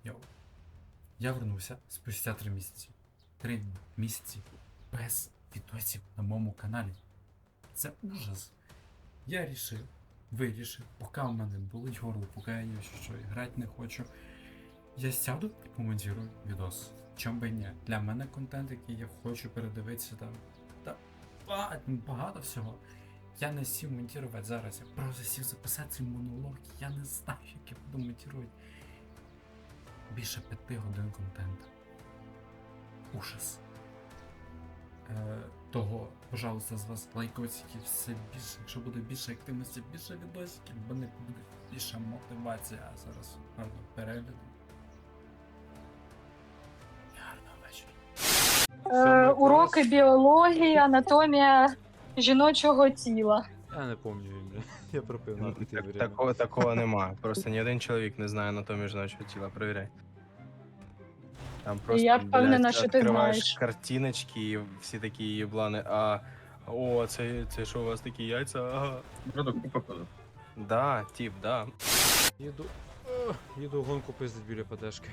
Йоу. Я вернувся спустя 3 місяці. 3 місяці без відосів на моєму каналі. Це ужас. Я вирішив, поки у мене болить горло, поки я що грати не хочу. Я сяду і помонтирую відос. Чом би ні? Для мене контент, який я хочу передивитися там. Та багато всього. Я не сів монтувати зараз, я просто сів записати цей монолог. Я не знаю, як я буду монтувати. Більше 5 годин контенту. Ужас. Того, пожалуйста, з вас лайкосики все більше. Якщо буде більше активності, більше відосиків, бо не буде більша мотивація. А зараз гарно перегляду. Гарного вечора. Уроки біології, анатомія жіночого тіла. Я не пам'ятаю, бля. Я пропив нахуй ти время. Такого нема. Просто ні один чоловік не знає анатомію жіночого тіла, перевіряй. Там просто, Я впевнена, блядь, що ти відкриваєш знаєш. картиночки і всі такі єблани, о, це що у вас такі яйця, ага. Продукти походу. Да, тип, да. Їду гонку пиздить біля ПДшки.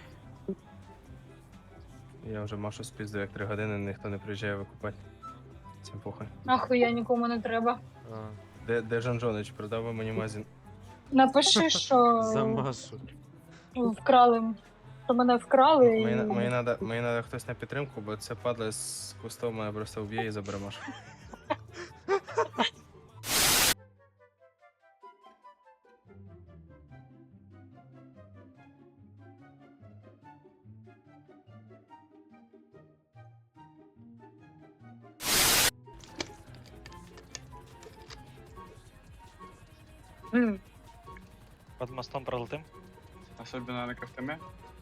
Я вже Машу спіздив як 3 години, ніхто не приїжджає викупати. Цим похуй. Ахуя нікому не треба. Де Жан Жонич, продав би мені магазин. Напиши, що За Машу. вкрали. Що мене вкрали Мені надо хтось на підтримку, бо це падла з кустом мене просто вб'є і забере Машу. Под мостом пролетим? Особенно на Ковтоме.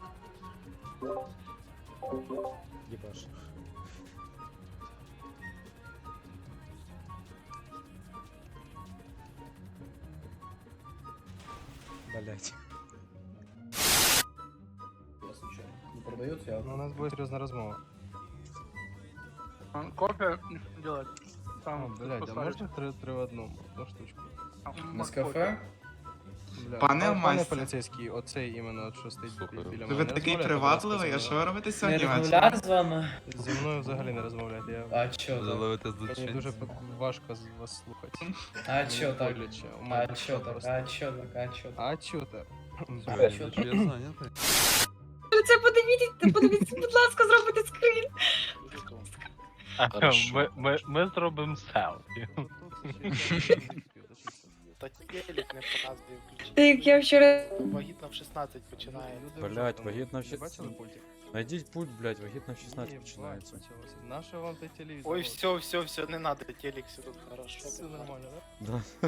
Єбаш. Блять. Не продается, я... Ну, у нас буде серйозна розмова. Кофе делать. О, Там, блядь, а можна 3 в одному? Одну штучку. Нескафе? Бля, Пане пане майстер. поліцейський, оцей іменно, от, що стоїть біля мене. Ви не такий розмовляєте, привабливий, будь а ласка, що ви робите Не сьогодні ввечері? розмовляти з вами? зі мною взагалі не розмовляйте. Я... А чо так? Заловити Мені дуже важко з вас слухати. А чо так? Боляче. У А мене чо так? просто. А чо так? А чо так? А чо так? А чо так? Я зайнятий. Це подивіться, будь ласка, зробите скрін. Ми зробимо селфі. Та телек не показує включити. Так, я вчора... Вагітна в 16 починає. Блядь, вагітна в Ви 16. бачили пультик? Найдіть пульт, блядь, вагітна в 16 починається. Наше вам той телевізор? Ой, все, не надо, телек, все тут хорошо. Все нормально, да? Да.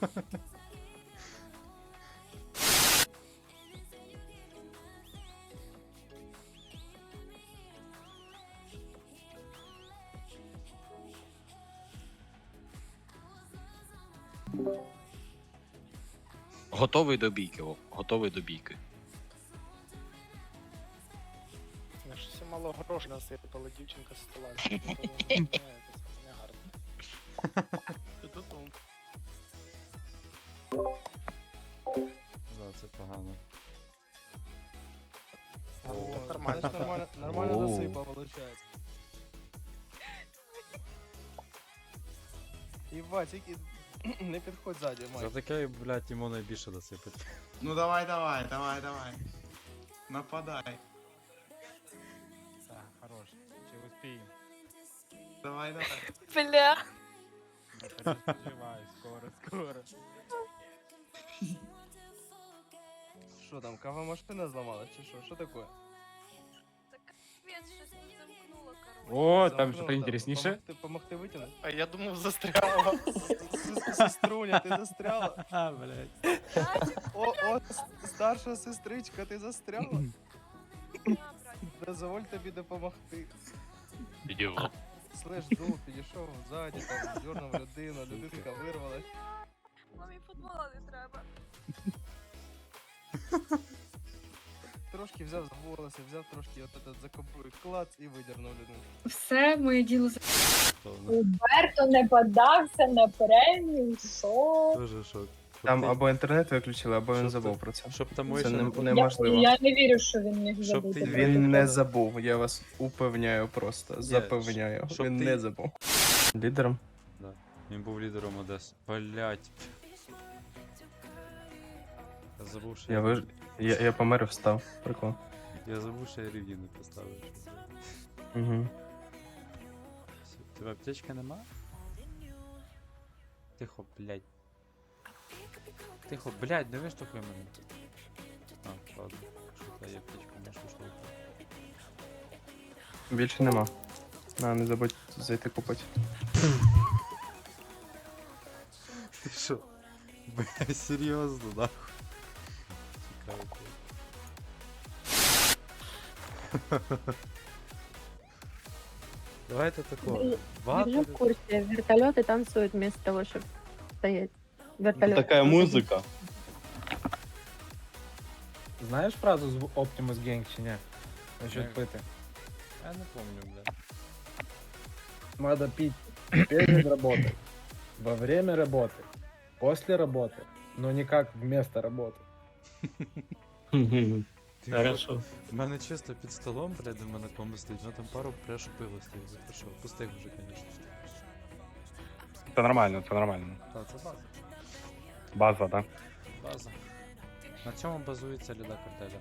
Готовий до бійки, Вов, готовий до бійки. Я ж все мало грошей насипала дівчинка з стола. Це не гарно. Да, це погано. О, Так нормально. значить, нормально Оу. засипав, виходить. Єбать, тільки не підходь ззаді, За Майк. таке, блядь, йому найбільше досипать. Ну давай. Нападай. Так, хорош. Чи успіємо? Давай. Бля. Живай, скоро. Що там, кава машина зламалась чи що? Що таке? О, там Замкнуло, що-то інтересніше. Помогти витягнути? А я думав, застряла. Сеструня, ти застряла? А, блядь. О, старша сестричка, ти застряла? Дозволь тобі допомогти. Ідіот. Слеш дух, підійшов ззаді, там, дьорнув людину, людинка вирвалась. Мамі футбола не треба. Трошки взяв за волоси, взяв трошки от этот за кобуру, клац і видернув людину. Все, моє діло... Роберто не подався на премію, що? Дуже шок. Там ти- або інтернет виключили, або він Щоб забув ти- про це. Щоб там Це Мойша не було. неможливо. Я не вірю, що він міг Щоб забути. ти- Він не забув, я вас упевняю просто. Ні, Запевняю. щоб Він ти- не забув. Лідером? Він був лідером Одеси. Блять. Я забув, що Я помер і встав. Прикол. Я забув, що я рев'ю не поставив. Угу. У тебе аптечки нема? Тихо, блядь. Тихо, блядь, не виштовхуй мене. А, ладно. Що в тебе є аптечка, можеш виштовхувати. Більше нема. Не забудь зайти купити. Ти що? Бля, серйозно, нахуй. Цікаво. Давайте такого. Держи Багато. в курсе, вертолеты танцуют вместо того, чтобы стоять. Вертолет. Такая музыка. Знаєш фразу з Optimus Gang чи ні? Ні. Насчет пити. Я не помню, бля. Надо пить перед работой, во время работы, после работы, но никак вместо работы. Ти Хорошо. У мене чисто під столом, блядь, у мене комби стоїть, ну там пару прешу пиво стоїть, за що? Пустих вже, конечно. Це нормально, це нормально. Та, це база. База, так? База. На цьому базується ліда картеля.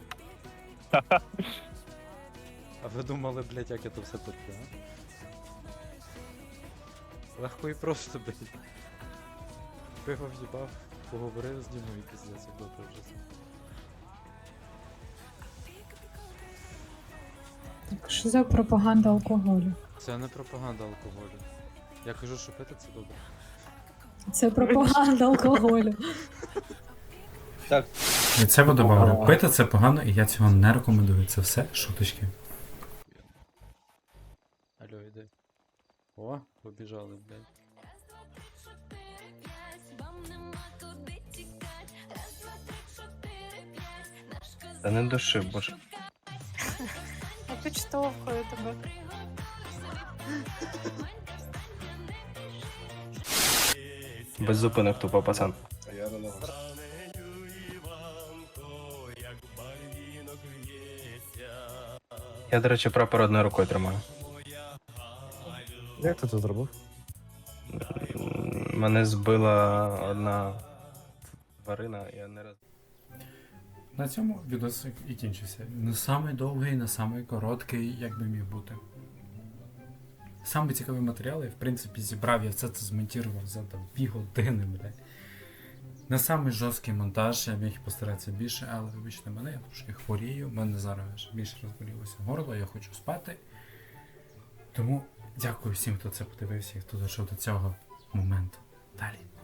А ви думали, блядь, як я то все терплю, а? Легко і просто, блядь. Пиво в'їбав, поговорив з Дімою і піздець, як добре вже це. Так що за пропаганда алкоголю? Це не пропаганда алкоголю. Я кажу, що пити це добре. Це пропаганда алкоголю. І це добавлю. Пити це погано, і я цього не рекомендую. Це все шуточки. Алло, іди. О, побіжали, блядь. Та не души, боже. Я підштовхую тебе. Без зупинок тупо, пацан. Я, до речі, прапор одною рукою тримаю. Як ти це зробив? Мене збила одна тварина, я не раз. На цьому відосик і кінчився. Не самий довгий, не самий короткий, як би міг бути. Саме цікаві матеріали, в принципі, зібрав, я все це змонтував за 2 години, блядь. Не самий жорсткий монтаж, я міг постаратися більше, але вибачте мене, я трошки хворію, в мене зараз більше розболілося горло, я хочу спати. Тому дякую всім, хто це подивився і хто дійшов до цього моменту. Далі.